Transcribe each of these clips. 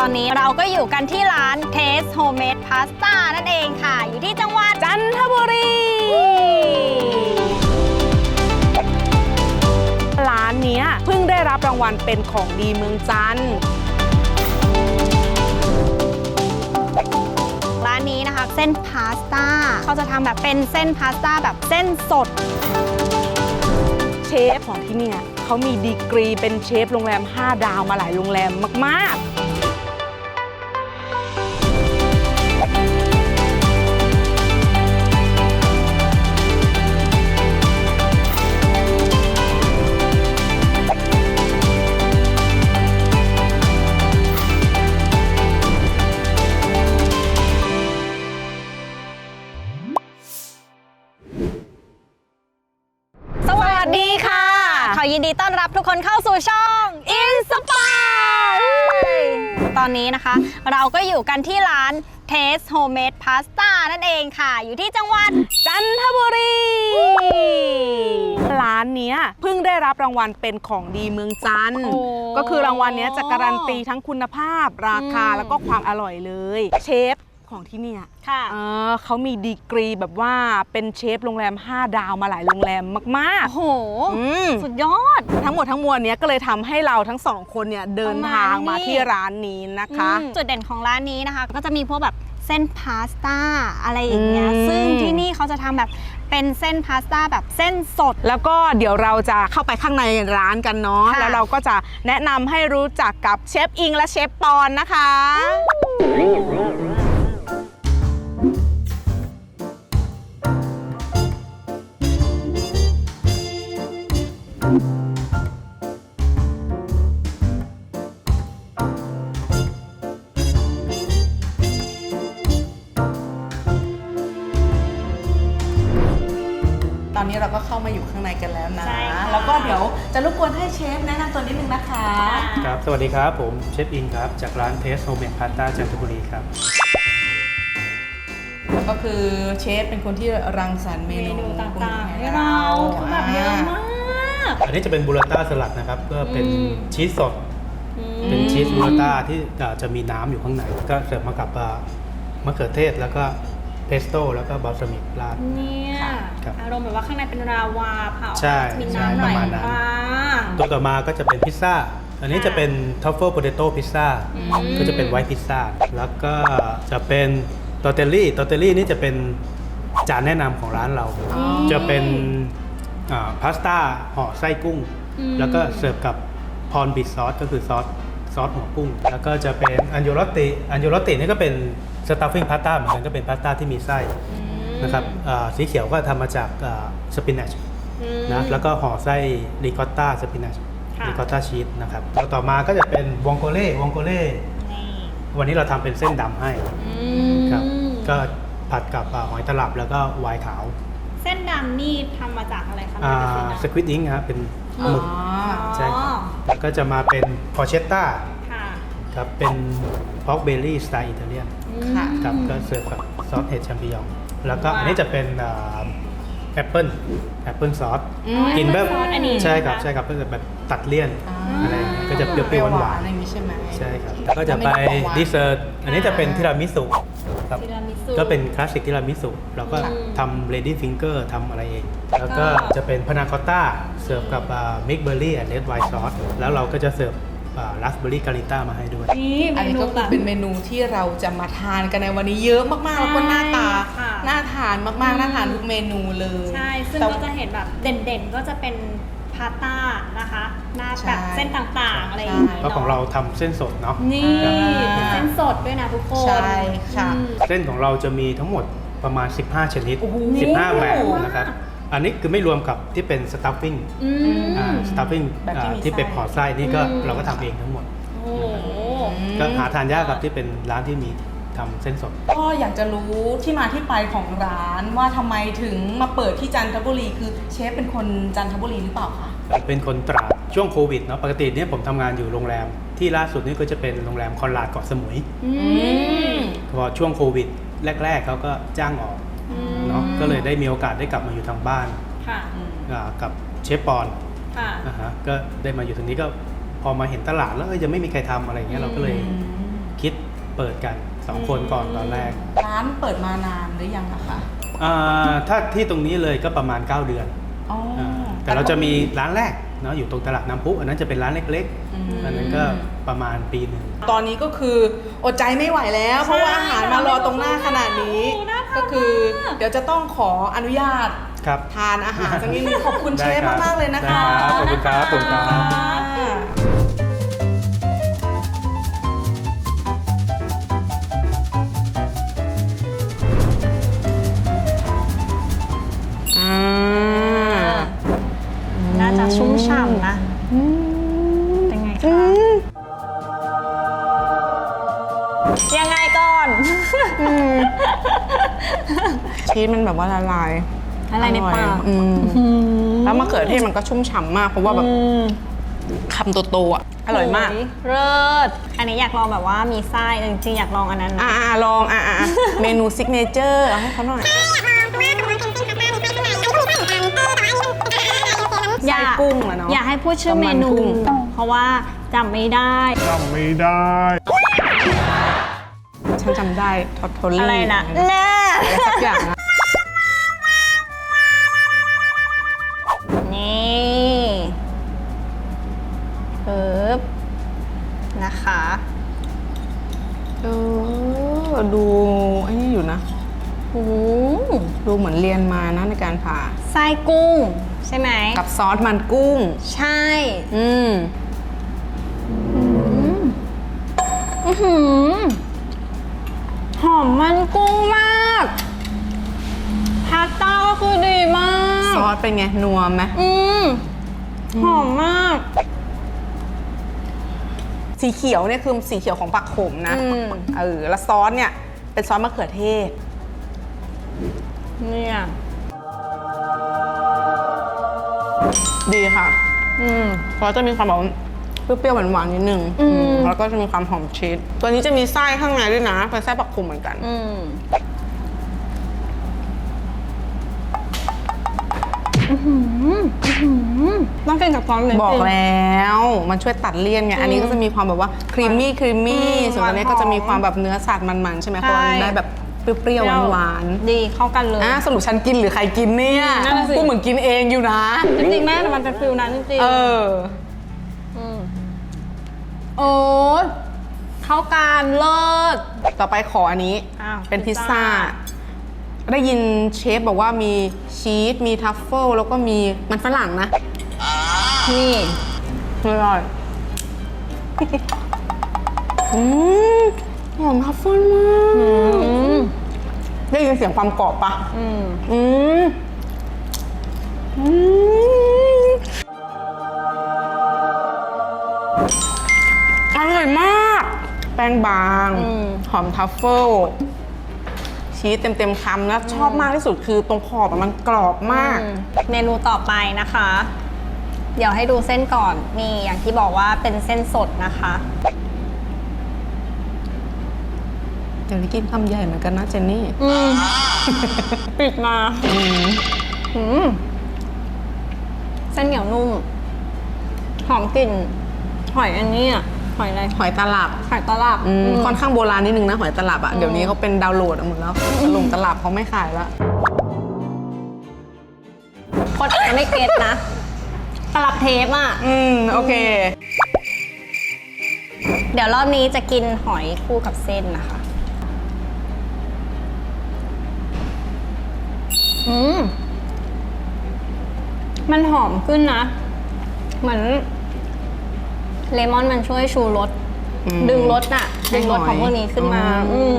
อนนี้เราก็อยู่กันที่ร้าน Taste Homemade Pasta นั่นเองค่ะอยู่ที่จังหวัดจันทบุรีร้านนี้เพิ่งได้รับรางวัลเป็นของดีเมืองจันทร์ร้านนี้นะคะเส้นพาสต้าเขาจะทำแบบเป็นเส้นพาสต้าแบบเส้นสดเชฟของที่เนี่ยเขามีดีกรีเป็นเชฟโรงแรม5 ดาวมาหลายโรงแรมมากๆขอยินดีต้อนรับทุกคนเข้าสู่ช่อง Inspire ตอนนี้นะคะเราก็อยู่กันที่ร้าน Taste Homemade Pasta นั่นเองค่ะอยู่ที่จังหวัดจันทบุรีร้านนี้เพิ่งได้รับรางวัลเป็นของดีเมืองจันทร์ก็คือรางวัลนี้จะการันตีทั้งคุณภาพราคาแล้วก็ความอร่อยเลยเชฟของที่เนี่ยเขามีดีกรีแบบว่าเป็นเชฟโรงแรม5 ดาวมาหลายโรงแรมมากๆโอ้โหสุดยอดทั้งหมดทั้งมวลนี้ก็เลยทำให้เราทั้ง2 คนเนี่ยเดินทางมาที่ร้านนี้นะคะจุดเด่นของร้านนี้นะคะก็จะมีพวกแบบเส้นพาสต้าอะไรอย่างเงี้ยซึ่งที่นี่เขาจะทำแบบเป็นเส้นพาสต้าแบบเส้นสดแล้วก็เดี๋ยวเราจะเข้าไปข้างในร้านกันเนาะแล้วเราก็จะแนะนำให้รู้จักกับเชฟอิงและเชฟปอนนะคะตอนนี้เราก็เข้ามาอยู่ข้างในกันแล้วนะแล้วก็เดี๋ยวจะรบกวนให้เชฟแนะนำตัวนิดนึงนะคะครับสวัสดีครับผมเชฟอิงครับจากร้าน Taste Homemade Pasta จันทบุรีครับแล้วก็คือเชฟเป็นคนที่รังสรรค์เมนูต่างๆให้เราคือแบบเยอะมากอันนี้จะเป็นบูราต้าสลัดนะครับก็เป็นชีสสดเป็นชีสบูราต้าที่จะมีน้ำอยู่ข้างในก็เสิร์ฟมากับมะเขือเทศแล้วก็เพสโต้แล้วก็บาลซามิกราดเนี่ยอารมณ์แบบว่าข้างในเป็นราวาเผามีน้ำประมาณนั้นตัวต่อมาก็จะเป็นพิซซ่าอันนี้จะเป็นทัฟเฟิลโพเตโต้พิซซ่าก็จะเป็นไวท์พิซซ่าแล้วก็จะเป็นตอร์เตลลี่นี่จะเป็นจานแนะนำของร้านเราจะเป็นพาสต้าห่อไส้กุ้งแล้วก็เสิร์ฟกับพอนบิทซอสก็คือซอสหัวกุ้งแล้วก็จะเป็นอันโยโรตินี่ก็เป็นสตัฟฟิ้งพาสต้าเหมือนกันก็เป็นพาสต้าที่มีไส้นะครับสีเขียวก็ทำมาจากสปินัชนะแล้วก็ห่อไส้ริคอตต้าสปินัชริคอตต้าชีสนะครับแล้วต่อมาก็จะเป็นวองโกเล่วันนี้เราทำเป็นเส้นดำให้ครับก็ผัดกับหอยตลับแล้วก็ไวน์ขาวเส้นดำนี่ทำมาจากอะไรคะสควิดอิงครับเป็นหมึกใช่แล้วก็จะมาเป็นพอเชตต้าครับเป็นพอกเบลลี่สไตล์อิตาเลียนครับก็เสิร์ฟกับซอสเห็ดแชมปิญองแล้วก็อันนี้จะเป็นแอปเปิลซอสกินแบบใช่ครับก็จะแบบตัดเลี่ยนอะไรก็จะเปรี้ยวหวานอะไรอย่างนี้ใช่ไหมใช่ครับแล้วก็จะไปดิเซอร์ตอันนี้จะเป็นทิรามิสุครับก็เป็นคลาสสิกทิรามิสุเราก็ทำเลดี้ฟิงเกอร์ทำอะไรเองแล้วก็จะเป็นพานาคอตต้าเสิร์ฟกับมิกเบอร์รี่แอนด์เรดไวน์ซอสแล้วเราก็จะเสิร์ฟราสเบอร์รี่กาลิต้ามาให้ด้วยอันนี้ก็คือเป็นเมนูที่เราจะมาทานกันในวันนี้เยอะมากๆแล้วก็หน้าตาน่าทานมากๆน่าทานทุกเมนูเลยใช่ซึ่งก็จะเห็นแบบเด่นๆก็จะเป็นพาสต้านะคะหน้าแบบเส้นต่างๆอะไรอย่างเงี้ยเพราะของเราทำเส้นสดเนาะนี่เป็นเส้นสดด้วยนะทุกคนใช่ค่ะเส้นของเราจะมีทั้งหมดประมาณ15ชนิด15แบบนะครับอันนี้คือไม่รวมกับที่เป็นสตัฟฟิ้งที่เป็นห่อไส้นี่ก็เราก็ทำเองทั้งหมดก็หาทานยากกับที่เป็นร้านที่มีทำเส้นสดก็อยากจะรู้ที่มาที่ไปของร้านว่าทำไมถึงมาเปิดที่จันทบุรีคือเชฟเป็นคนจันทบุรีหรือเปล่าคะเป็นคนตราดช่วงโควิดเนาะปกติเนี่ยผมทำงานอยู่โรงแรมที่ล่าสุดนี่ก็จะเป็นโรงแรมคอนราดเกาะสมุยพอช่วงโควิดแรกๆเขาก็จ้างออกเนาะก็เลยได้มีโอกาสได้กลับมาอยู่ทางบ้านกับเชฟปอนก็ได้มาอยู่ตรงนี้ก็พอมาเห็นตลาดแล้วยังไม่มีใครทำอะไรเงี้ยเราก็เลยคเปิดกัน 2 คนก่อนตอนแรกร้านเปิดมานานหรือยังอะคะถ้าที่ตรงนี้เลยก็ประมาณ 9 เดือนอ๋อแต่เราจะมีร้านแรกเนาะอยู่ตรงตลาดน้ำพุอันนั้นจะเป็นร้านเล็กๆอันนั้นก็ประมาณปีหนึ่งตอนนี้ก็คืออดใจไม่ไหวแล้ว เพราะว่าอาหารมารอตรงหน้าขนาดนี้ ก็คือเดี๋ยวจะต้องขออนุญาตครับทานอาหารสักนิดนึงขอบคุณเชได้ฟครับมากๆเลยนะคะได้ครับขอบคุณครับขอบคุณครับน่าจะชุ่มฉ่ำนะเป็นไงคะ ยังไงก่อนชีสมันแบบว่าละลายอะไรในปากแล้วมะเขือเทศมันก็ชุ่มฉ่ำมากเพราะว่าแบบคำโตๆอ่ะอร่อยมากเลิศอันนี้อยากลองแบบว่ามีไส้จริงๆอยากลองอันนั้นนะลองเมนูซิกเนเจอร์เอาให้เขาหน่อย ไส้กุ้งเหรอเนาะอย่าให้พูดชื่อเมนูกับมันกุ้งเพราะว่าจำไม่ได้ฉันจำได้ทอตโทลี่อะไรนะอะไรแน่สักอย่างนะนี่ปึ๊บนะคะดูไอ้นี่อยู่นะโอ้ดูเหมือนเรียนมานะในการผ่าไส้กุ้งใช่ไหมกับซอสมันกุ้งใช่ หอมมันกุ้งมากพาสต้าก็คือดีมากซอสเป็นไง นัวไหมหอมมากสีเขียวเนี่ยคือสีเขียวของปักขมนะแล้วซอสเนี่ยเป็นซอสมะเขือเทศเนี่ยดีค่ะซอสจะมีความแบบเปรี้ยวๆหวานๆนิดนึงแล้วก็จะมีความหอมชีสตัวนี้จะมีไส้ข้างในด้วยนะเป็นไส้ปักขมเหมือนกันต้องกินกับซอสเลยบอกแล้วมันช่วยตัดเลี่ยนไงอันนี้ก็จะมีความแบบว่าครีมมี่ส่วนอันนี้ก็จะมีความแบบเนื้อสัตว์มันๆใช่ไหมเพราะมันได้แบบเปรี้ยวๆหวานๆดีเข้ากันเลยสรุปฉันกินหรือใครกินเนี่ยนั่นน่ะสิพูดเหมือนกินเองอยู่นะจริงๆแม่แต่มันเป็นฟิลนั้นจริงๆโอ้ยเข้ากันเลิศต่อไปขออันนี้อ้าวเป็นพิซซ่าพิซซ่ได้ยินเชฟบอกว่ามีชีสมีทัฟเฟิลแล้วก็มีมันฝรั่งนะนี่อร่อยหอมทัฟเฟิลมากได้ยินเสียงความกรอบปะอร่อยมาก แป้งบางหอมทัฟเฟิลชีสเต็มๆคำแล้วชอบมากที่สุดคือตรงขอบมันกรอบมากเมนูต่อไปนะคะ เดี๋ยวให้ดูเส้นก่อนนี่อย่างที่บอกว่าเป็นเส้นสดนะคะเดี๋ยวนี้กินคำใหญ่เหมือนกันนะเจนนี่ปิดมาเส้นเหนียวนุ่มหอมกลิ่นหอยอันนี้อะหอยอะไรหอยตลับหอยตลับค่อนข้างโบราณนิดนึงนะหอยตลับเดี๋ยวนี้เขาเป็นดาวน์โหลดหมดแล้วตลงตลับเขาไม่ขายแล้วคนอาจจะไม่เก็ตนะตลับเทปอ่ะโอเคเดี๋ยวรอบนี้จะกินหอยคู่กับเส้นนะคะมันหอมขึ้นนะ เหมือนเลมอนมันช่วยชูรสดึงรสน่ะดึงรสของพวกนี้ขึ้นมา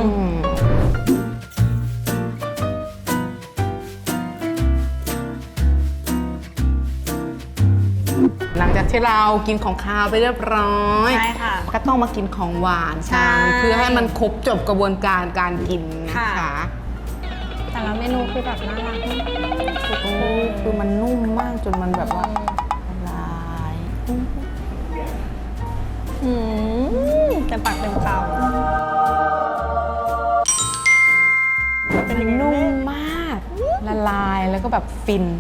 หลังจากที่เรากินของคาวไปเรียบร้อยใช่ค่ะก็ต้องมากินของหวานใช่กันเพื่อให้มันครบจบกระบวนการการกินนะคะแต่ละเมนูคือแบบน่ารักมากโอ้คือมันนุ่มมากจนมันแบบว่าละลายเต็มปากเต็มคำมันนุ่มมากละลายแล้วก็แบบฟิน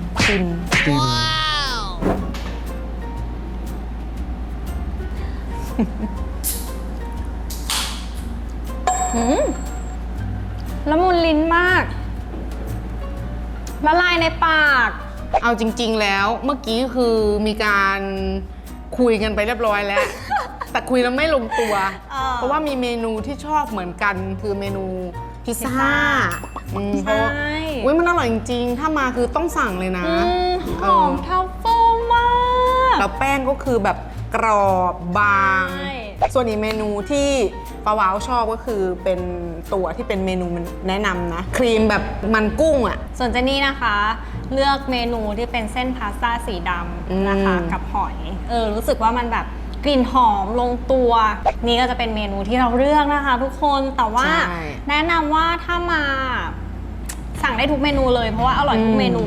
ละมุนลิ้นมาก ละลายในปากเอาจริงๆแล้วเมื่อกี้คือมีการคุยกันไปเรียบร้อยแล้ว แต่คุยแล้วไม่ลงตัว เพราะว่ามีเมนูที่ชอบเหมือนกันคือเมนูพิซซ่าเพราะอุ้ยมันอร่อยจริงๆถ้ามาคือต้องสั่งเลยนะหอมทัฟเฟิลมากแล้วแป้งก็คือแบบกรอบบางใช่ส่วนอีกเมนูที่ปาวาวชอบก็คือเป็นตัวที่เป็นเมนูแนะนำนะ ครีมแบบมันกุ้งอ่ะส่วนเจนนี่นะคะ เลือกเมนูที่เป็นเส้นพาสต้าสีดำนะคะ กับหอยรู้สึกว่ามันแบบกลิ่นหอมลงตัว นี่ก็จะเป็นเมนูที่เราเลือกนะคะ ทุกคนแต่ว่าใช่แนะนำว่าถ้ามาสั่งได้ทุกเมนูเลยเพราะว่าอร่อยทุกเมนู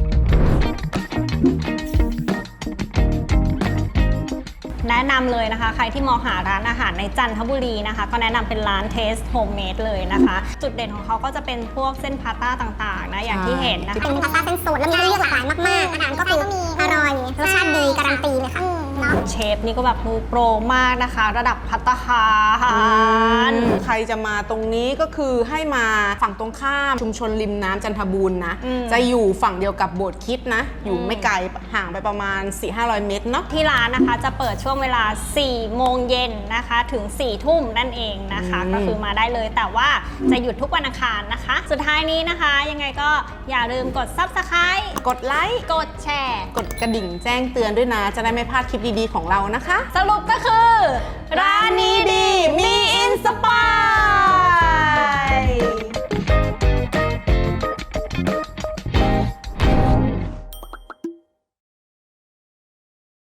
แนะนำเลยนะคะใครที่มองหาร้านอาหารในจันทบุรีนะคะก็แนะนำเป็นร้าน Taste Homemade เลยนะคะ จุดเด่นของเขาก็จะเป็นพวกเส้นพาสต้าต่างๆนะอย่างที่เห็นนะคะเป็นพาสต้าเส้นสูตรแล้วมีให้เลือกหลากหลายมากๆอาหารก็คืออร่อยรสชาติดีการันตีเลยค่ะเนาะเชฟนี่ก็แบบมือโปรมากนะคะ ระดับภัตตาคารใครจะมาตรงนี้ก็คือให้มาฝั่งตรงข้ามชุมชนริมน้ำจันทบูรณ์นะ จะอยู่ฝั่งเดียวกับโบสถ์คริสต์นะ อยู่ไม่ไกลห่างไปประมาณ 400-500 เมตรเนาะที่ร้านนะคะจะเปิดช่วงเวลา 4 โมงเย็นนะคะถึง 4 ทุ่มนั่นเองนะคะ ก็คือมาได้เลยแต่ว่าจะหยุดทุกวันอังคารนะคะ สุดท้ายนี้นะคะยังไงก็อย่าลืมกด Subscribe กดไลค์กดแชร์กดกระดิ่งแจ้งเตือนด้วยนะ จะได้ไม่พลาดคลิปดีๆของเรานะคะสรุปก็คือร้านนี้ดีมีอินสปาย